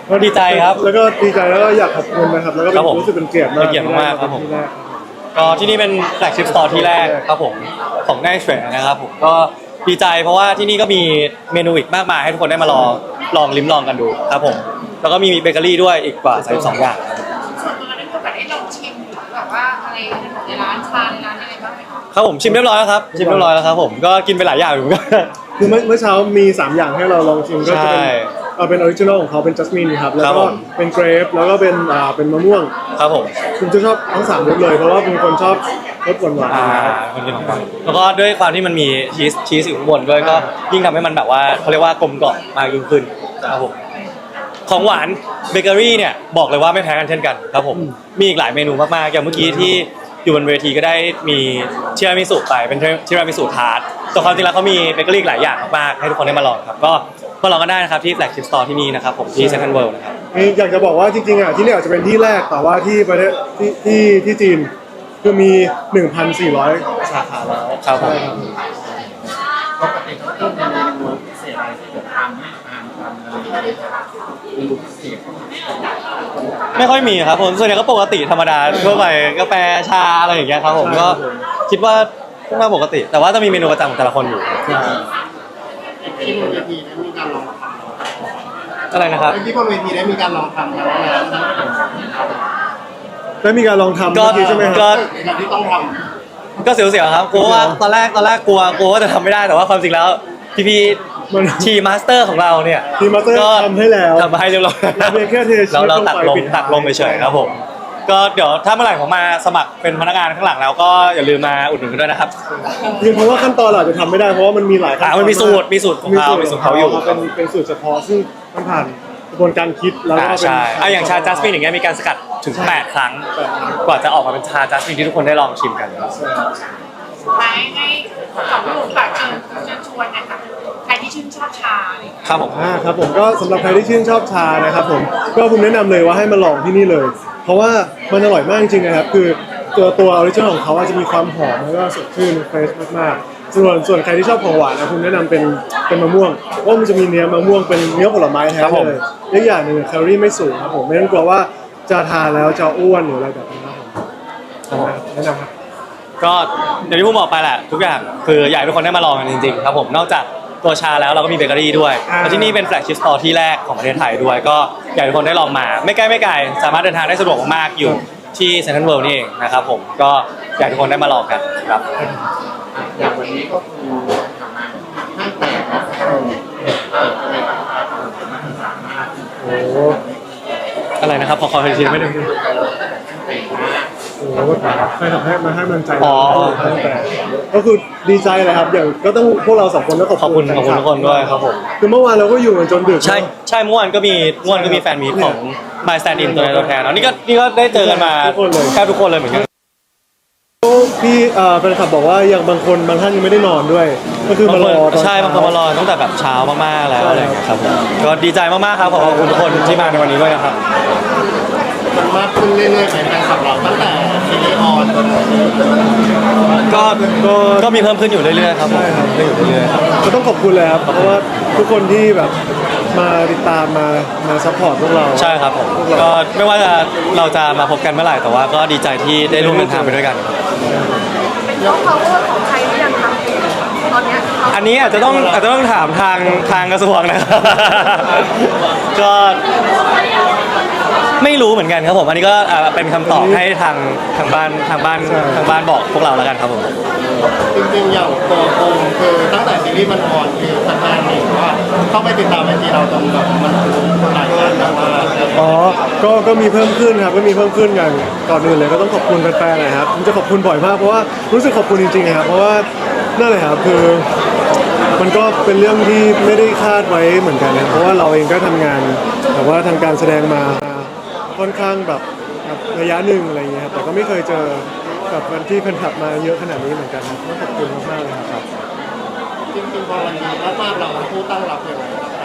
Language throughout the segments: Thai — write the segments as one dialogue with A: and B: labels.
A: ก็ดีใจครับ
B: แล้วก็ดีใจแล้วก็อยากขอบคุณนะครับแล้วก็รู้สึกเป็นเกียรติมาก
A: เป็นเกียรติมากครับผมก็ที่นี่เป็นแฟลกชิพสโตร์ที่แรกครับผมของได้เทรดนะครับผมก็ดีใจเพราะว่าที่นี่ก็มีเมนูอีกมากมายให้ทุกคนได้มาลองลิ้มลองกันดูครับผมแล้วก็มีเบเกอรี่ด้วยอีกกว่า32อย่าง
C: ส่วนตัวนั้นก็แบบได้ลองชิมหรือแบบว่าอะไรในร้านชาในร้านอะไรบ้างไหมคะ
A: ครับผมชิมเรียบร้อยแล้วครับชิมเรียบร้อยแล้วครับผมก็กินไปหลายอย่างอยู่เหมือนกัน
B: คือเมื่อเช้ามี3อย่างให้เราลองชิมก็จะเป็นออริจินอลของเขาเป็นจัสมินครับแล้วก็เป็นเกรปแล้วก็เป็นมะม่วง
A: ครับผม
B: คุณจะชอบทั้ง3รสเลยเพราะว่าเป็นคนชอบรสหวาน
A: คนกินของแล้วก็ด้วยความที่มันมีชีสอยู่ข้างบนด้วยก็ยิ่งทำให้มันแบบว่าเขาเรียกว่ากลมกล่อมมากยิ่งขึ้นครับผมของหวานเบเกอรี่เนี่ยบอกเลยว่าไม่แพ้กันเช่นกันครับผมมีอีกหลายเมนูมากๆอย่างเมื่อกี้ที่อยู่บนเวทีก็ได้มีทีรามิสุไปเป็นทีรามิสุทาร์ตแต่ความจริงแล้วเขามีเบเกอรี่หลายอย่างมากๆให้ทุกคนได้มาลองครับก็มาลองกันได้นะครับที่แฟลกชิพสโตร์ที่นี่นะครับผมที่เซ็นทรัลเวิลด์นะครับ
B: อยากจะบอกว่าจริงๆอ่ะที่นี่อาจจะเป็นที่แรกแต่ว่าที่ประเทศที่จีนคือมี 1,400 สาขาแล้ว
A: ครับผม
D: ปกติเขาต้องมีเมนูพิเศษอะไรที่จะทำให้ทานกันอะไรเมนูพิเศษ
A: ไม่ค่อยมีครับผมส่วนใหญ่ก็ปกติธรรมดาทั่วไปกาแฟชาอะไรอย่างเงี้ยครับผมก็คิดว่าค่อนข้างปกติแต่ว่าจะมีเมนูประจำของแต่ละคนอยู่
D: ที่บนเวทีได้มีการลองทำ
A: อะไรนะครับ
D: ที่บนเวทีได้มีการลองทำแล้ว
B: ได้มีการลองทำใช่ไหมครับ
A: ก็
D: ที่ต้องท
A: ก็เสียวๆครับกลัวว่าตอนแรกกลัวว่าจะทำไม่ได้แต่ว่าความจริงแล้วพี่ทีมาสเตอร์ของเราเนี่ย
B: ทีมาสเตอร์ทำให้แล้ว
A: ทำให้เรียบร้อย
B: เราแค่เทชีส
A: เราตักลงเฉยๆครับผมก็เดี๋ยวถ้าเมื่อไหร่ผมมาสมัครเป็นพนักงานข้างหลังแล้วก็อย่าลืมมาอุดหนุนกันด้วยนะครับ
B: เพราะว่าขั้นตอนเราจะทำไม่ได้เพราะว่ามันมีหลายขั้นตอน
A: มันมีสูตรของเขาอยู่
B: เป็นสูตรเฉพาะซึ่งมันผ่านกระบวนการคิดแล้วก็
A: ใช่อย่างชาจัสมินอย่างเงี้ยมีการสกัดถึง8ครั้งกว่าจะออกมาเป็นชาจัสมินที่ทุกคนได้ลองชิมกัน
C: ให้สองหนุ่มฝากเชิญชวนนะคะใครที่ชื่นชอบชา
A: ครับผม
B: ครับผมก็สำหรับใครที่ชื่นชอบชานะครับผมก็ผมแนะนำเลยว่าให้มาลองที่นี่เลย เพราะว่ามันอร่อยมากจริงๆนะครับคือตัวออริจินอลของเขาจะมีความหอมแล้วก็สดชื่นเฟรชมากๆส่วนใครที่ชอบของหวานนะผมแนะนำเป็นมะม่วงเพราะมันจะมีเนื้อมะม่วงเป็นเนื้อผลไม้แท้เลยและอย่างหนึ่งแคลอรี่ไม่สูงครับผมไม่ต้องกลัวว่าจะทานแล้วจะอ้วนหรืออะไรแบบนี้ครับผมแนะนำครับ
A: ก็อย่างที่ผมบอกไปแหละทุกอย่างคืออยากให้ทุกคนได้มาลองกันจริงๆครับผมนอกจากตัวชาแล้วเราก็มีเบเกอรี่ด้วยและที่นี่เป็นแฟลกชิพสโตร์ที่แรกของประเทศไทยด้วยก็อยากให้ทุกคนได้ลองมาไม่ใกล้ไม่ไกลสามารถเดินทางได้สะดวกมากอยู่ที่เซ็นทรัลเวิลด์นี่เองนะครับผมก็อยากให้ทุกคนได้มาลองกันครับ
D: อย่างวันนี้ก็คือห้างแตกนะ
B: โอ้
A: อะไรนะครับขออีกทีไม่ได้
B: โอ้ใครทำให้มาให้มันใจก็คือดีใจเลยครับอย่างก็ต้องพวกเรา2 คนต้อง
A: ขอบคุณทุกคนด้วยครับผม
B: คือเมื่อวานเราก็อยู่กันจนดึก
A: ใช่เมื่อวานก็มีแฟนมีของ My Stand In ตัวแทนนี่ก็ได้เจอกันมาแทบทุกคนเลยเหมือนกัน
B: พี่แฟนคลับบอกว่าอย่างบางท่านยังไม่ได้นอนด้วยก็คือมารอ
A: ใช่บางคนมารอตั้งแต่แบบเช้ามากๆแล้วอะไรอย่างเงี้ยครับผมก็ดีใจมากๆครับขอบคุณทุกคนที่มาในวันนี้ด้วยนะครับ
D: มันมากขึ้นเรื่อยๆไปแฟนคลับเราตั้งแต่ซีรีส์ออน
A: ก็มีเพิ่มขึ้นอยู่เรื่อยๆครับผมอยู่เรื่อยๆครับ
B: ก็ต้องขอบคุณเลยครับเพราะว่าทุกคนที่แบบมาติดตามมาซัพพอร์ตพวกเรา
A: ใช่ครับผมก็ไม่ว่าเราจะมาพบกันเมื่อไหร่แต่ว่าก็ดีใจที่ได้ร่วมเดินทางไปด้วยกัน
C: เป็น power ของใครหรือยังคะตอนนี้
A: อันนี้อาจจะต้องถามทางกระทรวงนะครับก็ไม่รู้เหมือนกันครับผมอันนี้ก็เป็นคำตอบให้ทางบ้านบอกพวกเราแล้วกันครับผม
D: จริงๆอย่างตัวโคมคือตั้งแต่ซีรีส์มันออนคือแฟนๆเห็นว่าเข้าไปติดตามไอจีเราตรงแบบมันหลายคนแบบว่า
B: ก็มีเพิ่มขึ้นครับก็มีเพิ่มขึ้นกันก่อนอื่นเลยก็ต้องขอบคุณแฟนๆนะครับผมจะขอบคุณบ่อยมากเพราะว่ารู้สึกขอบคุณจริงๆครับเพราะว่านั่นแหละครับคือมันก็เป็นเรื่องที่ไม่ได้คาดไว้เหมือนกันนะเพราะว่าเราเองก็ทำงานแต่ว่าทางการแสดงมาค่อนข้างแบบระยะหนึ่งอะไรเงี้ยครับแต่ก็ไม่เคยเจอกับวันที่แฟนคลับมาเยอะขนาดนี้เหมือนกันครับต้องขอบคุณมากๆเลยครับ
D: จริงๆพอวันนี้มากๆเราผู้ตั้งรับยังไง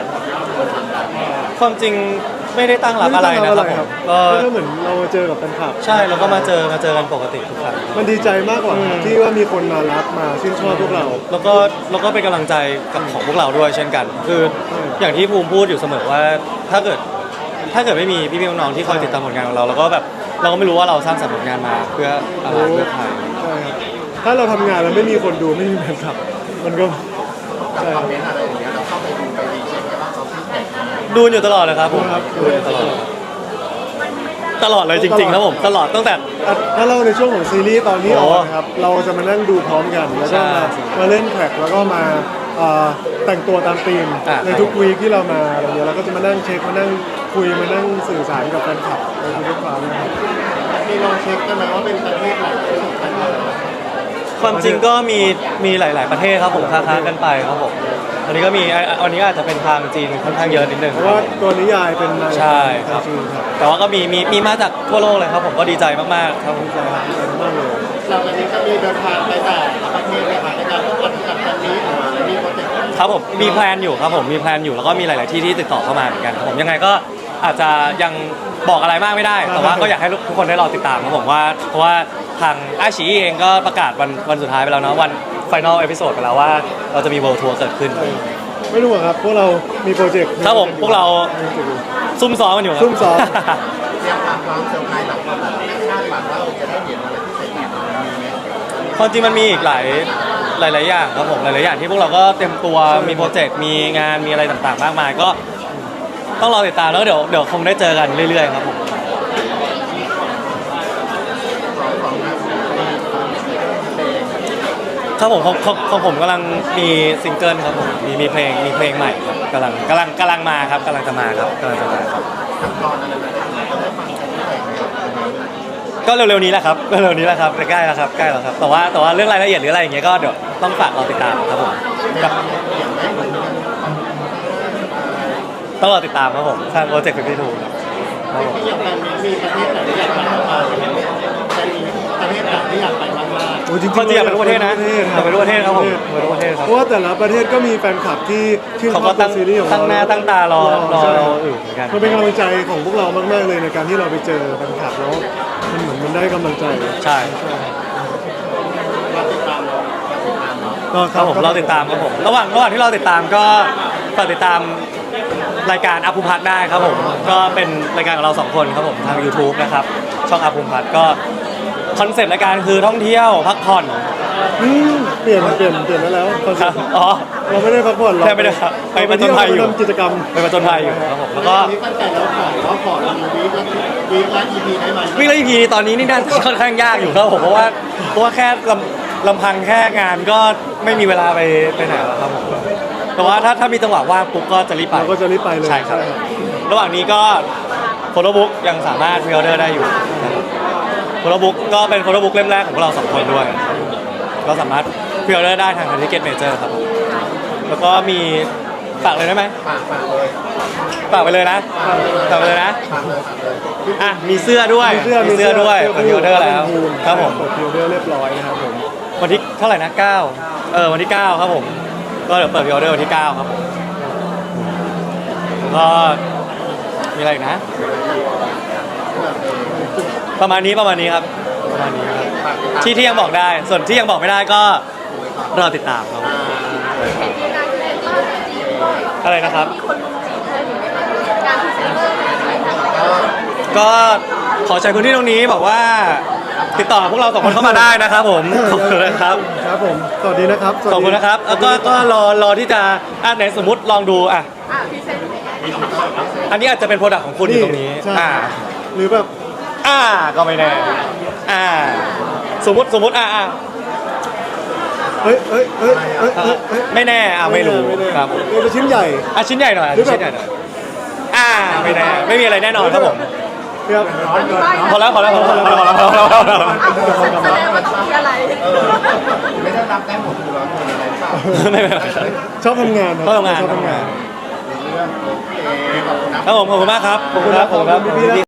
A: ความจริงไม่ได้ตั้งรับอะไรนะครับ
B: ก็เหมือนเราเจอกับแฟนคลับ
A: ใช่แล้วก็มาเจอกันปกติทุกครั้ง
B: มันดีใจมากกว่าที่ว่ามีคนมารับมาชื่นชอบพวกเรา
A: แล้วก็เป็นกำลังใจกับของพวกเราด้วยเช่นกันคืออย่างที่ภูมิพูดอยู่เสมอว่าถ้าเกิดถ้าเกิดไม่มีพี่ๆน้องๆที่คอยติดตามผลงานของเราเราก็แบบเราก็ไม่รู้ว่าเราสร้างสรรค์ผลงานมาเพื่ออะไรเพื่อใคร
B: ใช่ครับถ้าเราทำงานแล้วไม่มีคนดูไม่มีแฟนคลับมันก็ใช่
D: ค
B: ค
D: อ
B: รั
D: ม
B: บ
D: เมนต์อะไรอย่างเงี้ยเราเข้าไปดูไปรีเช็คกันว่าเขาฟีดแบ็กยังไง
A: ดูอยู่ตลอดเลยครับผม
B: ครับ
A: ดูอยู่ตลอดตลอดเลยจริงๆครับผมตลอดตั้งแต่
B: ถ้าเราในช่วงของซีรีส์ตอนที่อ
A: โอ้
B: อกนะครับเราจะมานั่งดูพร้อมกันแล้วก็
A: ใช่
B: มาเล่นแท็กแล้วก็มาแต่งตัวตามธีม
A: อ่ะ
B: ในทุกวีคที่เรามาอะไรเงี้ยเราก็จะมานั่งเช็คมานั่งคุยมานั่งสื่อสารกับแฟนคลับในทุกๆครั้งนะครับ
D: มีลองเช็คกันไหมว่าเป็นประเทศไหนที่สำคัญกว่า
A: ความจริงก็มีหลาย ๆประเทศครับผมค้าๆกันไปครับผมอันนี้ก็มีอันนี้ก็อาจจะเป็นทางจีนค่อนข้างเยอะนิดนึง
B: เพราะว่าตัวนิยายเป็นมา
A: ใช่ครับ
B: จริงครับ
A: แต่ว่าก็มีมาจากทั่วโลกเลยครับผมก็ดีใจมากๆครับผม
B: ดีใจมากเลย
D: เราวันนี้ก็มีเดินทางไปแต่ละประเทศเลยค่ะในการต้องจัดแบบนี้ออกมาแล้วมีโปรเจกต์
A: ครับผมมีแพลนอยู่ครับผมมีแพลนอยู่แล้วก็มีหลาย ๆ ที่ที่ติดต่อเข้ามาเหมือนกันครับผมยังไงก็อาจจะยังบอกอะไรมากไม่ได้ แต่ว่าก็อยากให้ทุกคนได้รอติดตามครับผมว่าเพราะว่าทางอาชีเองก็ประกาศวันสุดท้ายไปแล้วเนาะวันไฟนอลเอพิโซดไปแล้วว่าเราจะมีเวิลด์ทัวร์เกิดขึ้น
B: ไม่รู้อะครับพวกเรามีโปรเจกต์
A: ครับผมพวกเราซุ่มซ้อมกันอยู่ครับ
B: ซุ่มซ้อม
D: เตรียมความเซอร์ไพรส์หลังจากนั้นคาดหวังว่าเราจะได้เห็นอะไรพิเศษมีไหม
A: ความจริงมันมีอีกหลายอย่างครับผมหลาย ๆ อย่างที่พวกเราก็เต็มตัวมีโปรเจกต์มีงานมีอะไรต่าง ๆ มากมายก็ต้องรอติดตามแล้วเดี๋ยวคงได้เจอกันเรื่อย ๆ ครับผม
D: ของนักเพลง
A: ครับผมของผมกำลังมีซิงเกิลครับผมมีเพลงใหม่ครับกำลังมาครับกำลังจะมาครับ
D: ขั้นตอนอะไรแบบนี้ก็ได้ฟังกันที่ไหนไหม
A: ก็เร็ว ๆ นี้แหละครับใกล้แล้วครับแต่ว่าเรื่องรายละเอียดหรืออะไรอย่างเงี้ยก็เดี๋ยวต้องฝากเราติดตามครับผมกับต้องรอติดตามครับผมทางโปรเจกต์52ครับผม
D: ที่อยากไปมีประเทศไหนที่อยากไปบ้างจะมีประเทศไหนที่อยากไปบ้างล่ะ
B: โอ้จริงๆ
A: คนที่อยากไปทุกประเทศนะอยากไปทุกประเทศครับผมไปทุกประเทศครับ
B: เพราะว่าแต่ละประเทศก็มีแฟนคลับที่ชื่นช
A: เขา
B: อบ
A: ก็
B: ตัวซีรีส์ของเรา
A: ตั้งหน้าตั้งตารอเราอยู่เหมือนกัน
B: มันเป็นกำลังใจของพวกเรามากๆเลยในการที่เราไปเจอแฟนคลับแล้วมันเหมือนมันได้กำลังใจ
A: ใช่
D: เราติดตามเราติดตามเนาะ
B: ก็
A: ครับผมเราติดตามครับผมระหว่างที่เราติดตามก็ฝากติดตามรายการอาภูมิพัฒน์ได้ครับผมก็เป็นรายการของเราสองคนครับผมทาง YouTube นะครับช่องอาภูมิพัฒน์ก็คอนเซ็ปต์รายการคือท่องเที่ยวพักผ่อน
B: เปลี่ยนได้แล้วคอน
A: ค
B: เซ็
A: รั
B: ป
A: บ
B: ต์
A: อ๋อ
B: เราไม่ได้พักผ่อนเรา
A: แทบไม่ได้ครับไปผจญภัยอยู่
B: เราไปทำกิจกรรม
A: ไปผจญภัยอยู่ครับผมแล้วก็
D: นี่ตั้งแต่เราขอเราวีคละ EP ได้ไหม
A: วิ่งไล่พีตอนนี้นี่น่าจะค่อนข้างยากอยู่ครับผมเพราะว่าแค่ลำพังแค่งานก็ไม่มีเวลาไปไหนแล้วครับผมแต่ว่าถ้ามีจังหวะว่างปุ๊บก็จะรีบไป
B: เราก็จะรีบไปเลย
A: ใช่ครับ ระหว่างนี้ก็โฟโต้บุ๊กยังสามารถพรีออเดอร์ได้อยู่โฟโต้บุ๊กก็เป็นโฟโต้บุ๊กเล่มแรกของพวกเราสองคนด้วย ก็สามารถพรีออเดอร์ได้ทางทิเก็ตเมเจอร์ครับผมแล้วก็มีฝากเลยได้ไหม
D: ฝากเลย
A: ฝากไปเลยนะฝากไปเลยนะ
D: ฝากเลย
A: อ่ะมีเสื้อด้วยมีเสื้อด้วยเปิดพรีออเดอร์แล้วครับผม
B: เปิดพรีออเดอร์เรียบร้อยนะครับผม
A: วันที่เท่าไหร่นะ9วันที่9ครับผมก็เดี๋ยวเปิดพรีออเดอร์วันที่9ครับผมแล้วก็มีอะไรอีกนะ ประมาณนี้ครับประมาณนี้ครับที่ยังบอกได้ ส่วนที่ยังบอกไม่ได้ก็รอติดตามครับอะไรนะครับ ก็ขอใช้พื้นที่ตรงนี้บอกว่าติดต่อพวกเราสองคนเข้ามาได้นะครับผมขอบคุณนะครับ
B: ครับผมสวัสดีนะครับ
A: ขอบคุณนะครับแล้วก็รอที่จะไหนสมมุติลองดูอันนี้อาจจะเป็นโปรดักต์ของคุณอยู่ตรงนี้
B: ใช่หรือแบบ
A: ก็ไม่แน่สมมติ
B: เฮ้ย
A: ไม่แน่ไม่รู้
B: ไม่แน่
A: ครับ
B: เราจะชิ้นใหญ่
A: ชิ้นใหญ่หน่อย
B: หรือแบบ
A: ชิ้นใหญ่หน่อยไม่แน่ไม่มีอะไรแน่นอนครับผม
B: ครับ
A: พอแล้ว
C: แสดงว่าจะมีอะไร
D: ไม่ได้รับได้หมดคือเราทำอะไรเปล่า
A: ไม่เป็นไร
B: ชอบทำงานครับ
A: ชอบทำงาน
B: ชอบทำงาน
D: เรื่องโอเคขอบคุณนะ
A: ครับผมขอบคุณมากครับขอบคุณครับ
B: ขอบคุณพี่ๆ